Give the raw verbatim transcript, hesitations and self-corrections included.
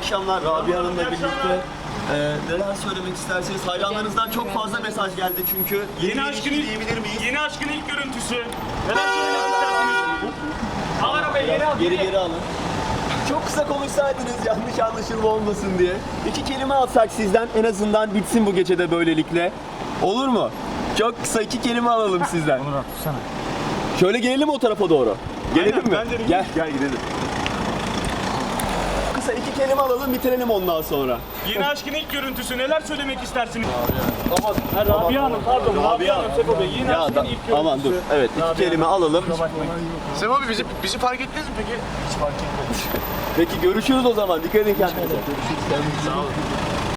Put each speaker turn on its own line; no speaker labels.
akşamlar Rabia Hanım'la birlikte. Ee, neler söylemek isterseniz, hayranlarınızdan çok fazla mesaj geldi çünkü.
Yeni aşkın ilk,
diyebilir miyiz?
yeni aşkın ilk görüntüsü. Neler söylemek istersiniz? Al arabayı geri al.
Geri geri alın. Çok kısa konuşsaydınız yanlış anlaşılma olmasın diye. İki kelime alsak sizden, en azından bitsin bu gecede böylelikle. Olur mu? Çok kısa iki kelime alalım sizden.
Onur atsana.
Şöyle gelelim o tarafa doğru. Gelelim
Aynen,
mi?
bence de
Gel, gel gidelim. Kısa iki kelime alalım, bitirelim ondan sonra.
Yeni aşkın ilk görüntüsü. Neler söylemek istersiniz?
Aman,
Ha, Rabia Hanım, pardon. Rabia Hanım, Seko Bey. Yeni
Ya
aşkın
da,
ilk görüntüsü.
aman dur. Evet, iki
Rabia
kelime alalım.
Sem abi bizi, bizi fark ettiniz mi peki? Hiç fark etmedim.
Peki görüşürüz o zaman. Dikkat edin kendinize. Görüşürüz. Sağ olun.